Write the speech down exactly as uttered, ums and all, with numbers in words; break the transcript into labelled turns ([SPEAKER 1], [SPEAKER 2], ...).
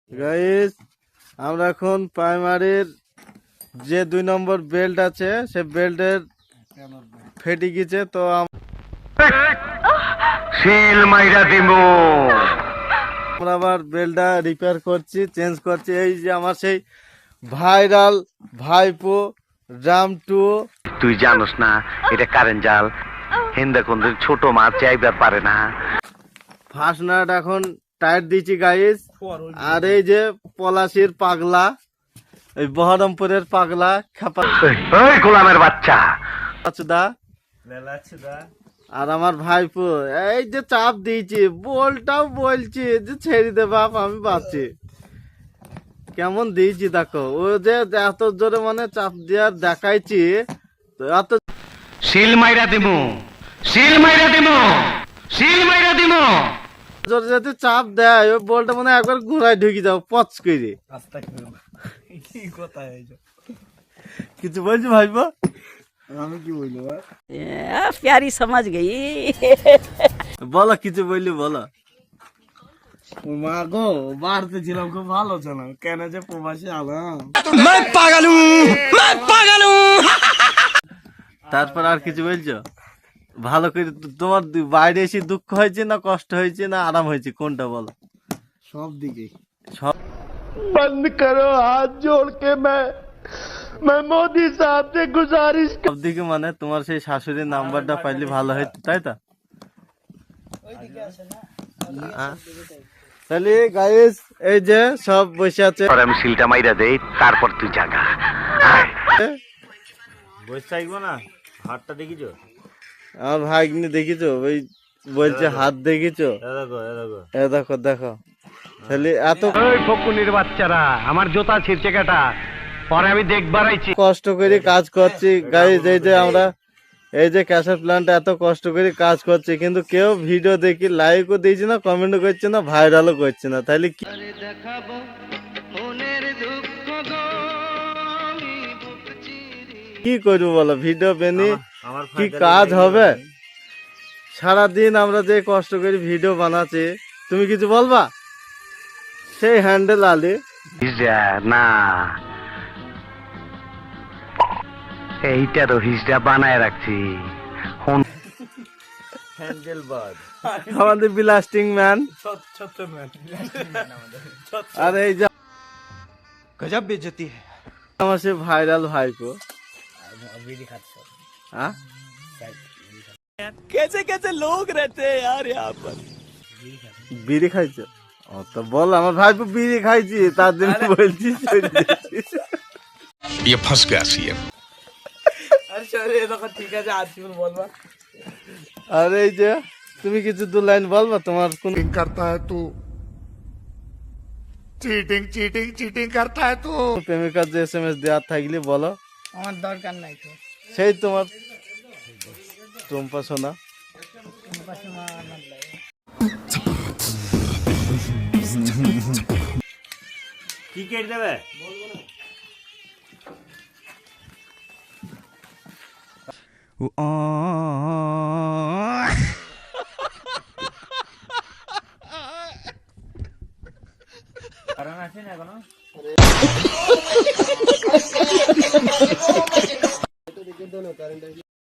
[SPEAKER 1] Guys আমরা এখন প্রাইমারির যে দুই নম্বর বেল্ট আছে সে বেল্টের ফেটে গেছে, তো
[SPEAKER 2] সিল মাইরা দিমু।
[SPEAKER 1] আমরা আবার বেল্টটা রিপেয়ার করছি, চেঞ্জ করছি। এই যে আমার সেই ভাইরাল ভাইপো রাম টু।
[SPEAKER 2] তুই জানোস না এটা কারেন্ট জাল, হিন্দা কোন ছোট মাছ চাইবার পারে না।
[SPEAKER 1] ফাস্টনাট এখন টায়ার দিয়েছি গাইস। আর এই যে পলাশির পাগলা, এই বহরমপুরের পাগলা খাপা
[SPEAKER 2] ওই গোলামের বাচ্চা
[SPEAKER 1] দা আর আমার ভাইপো এই যে চাপ দিয়েছি, বলটাও বলছি যে ছেড়ে দে বাপ, আমি বাঁচি। কেমন দিয়েছি দেখো, ও যে এত জোরে মানে চাপ দেওয়ার দেখাইছি, তো এত
[SPEAKER 2] সিল মাইরা দিমু, সিল মাইরা দিমু, সিল মাইরা দিমু।
[SPEAKER 1] জোরে যদি চাপ দেয় ওই বলটা মানে একবার ঘোরায় ঢুকে যাও পচ করে। কিছু বলছি ভাইপো? আমি কি বলবো?
[SPEAKER 3] प्यारी समझ गई।
[SPEAKER 1] বলো কিছু বললি বলো। মা গো বাড়তে ছিলাম, খুব ভালো ছিল, কেন যে প্রবাসী আলাম। তারপর আর কিছু বলছো? ভালো করে তোমার বাইরে এসে দুঃখ হয়েছে না কষ্ট হয়েছে না আরাম হয়েছে, কোনটা বলো? সব দিকে সব। বন্ধ করো হাত জোড় কে मैं मैं मोदी साहब से गुजारिश। সব দিকে মানে তোমার সেই শাশুড়ির নাম্বারটা পাইলে ভালো হতো, তাই তো? তাহলে গাইস এই যে সব বসে আছে,
[SPEAKER 2] আমি সিলটা মাইরা দেই, তারপর তুই জাগা।
[SPEAKER 4] বসে থাকবো না। হাতটা দেখিছো?
[SPEAKER 1] আমার ভাগ্নি দেখিছো? ওই বলছে হাত দেখিছো?
[SPEAKER 4] এ দেখো এ দেখো
[SPEAKER 1] এ দেখো দেখো। তাহলে এত
[SPEAKER 2] ওই ফকুনির বাচ্চারা আমার জোতা ছিঁড়ছে কাটা, পরে আমি দেখবার আইছি।
[SPEAKER 1] কষ্ট করে কাজ করছি গাইস, এই যে আমরা এই যে ক্যাসেট প্ল্যান্ট এত কষ্ট করে কাজ করছি, কিন্তু কেউ ভিডিও দেখি লাইকও দিয়েছে না, কমেন্টও করছে না, ভাইরালও করছে না। তাহলে কি কি করবো বলো? ভিডিও বেনি
[SPEAKER 4] আমার
[SPEAKER 1] কি কাজ হবে? সারাদিন আমরা যে কষ্ট করে ভিডিও বানাচ্ছি, তুমি কিছু বলবা? সেই হ্যান্ডেল আলি
[SPEAKER 2] হিজড়া না, এইটারও হিজড়া বানায় রাখছি।
[SPEAKER 4] হ্যান্ডেল বাদ
[SPEAKER 1] আমাদের ব্লাস্টিং ম্যান। আর এই যে
[SPEAKER 4] গজব বেজতি
[SPEAKER 1] আমার সে ভাইরাল ভাইপো। হ্যাঁ
[SPEAKER 4] कैसे कैसे लोग रहते हैं यार यहाँ पर।
[SPEAKER 1] বিড়ি খাইছো? ও তো বল, আমার ভাইপো বিড়ি খাইছি, তার জন্য বলছি।
[SPEAKER 5] ये फंस गया सीएम।
[SPEAKER 4] আরে সরি এ দেখো, ঠিক আছে আজ তুমি বলবা।
[SPEAKER 1] আর এই যে তুমি কিছু দু লাইন বলবা, তোমার কোন
[SPEAKER 5] करता है तू, चीटिंग चीटिंग चीटिंग करता है तू।
[SPEAKER 1] প্রেমিকার যে এস এম এস দেওয়ার থাকলে বলো।
[SPEAKER 3] আমার দরকার নাই তো।
[SPEAKER 1] সেই তোমার টুম্পা সোনা।
[SPEAKER 4] কি কেটে দেবে?
[SPEAKER 6] आ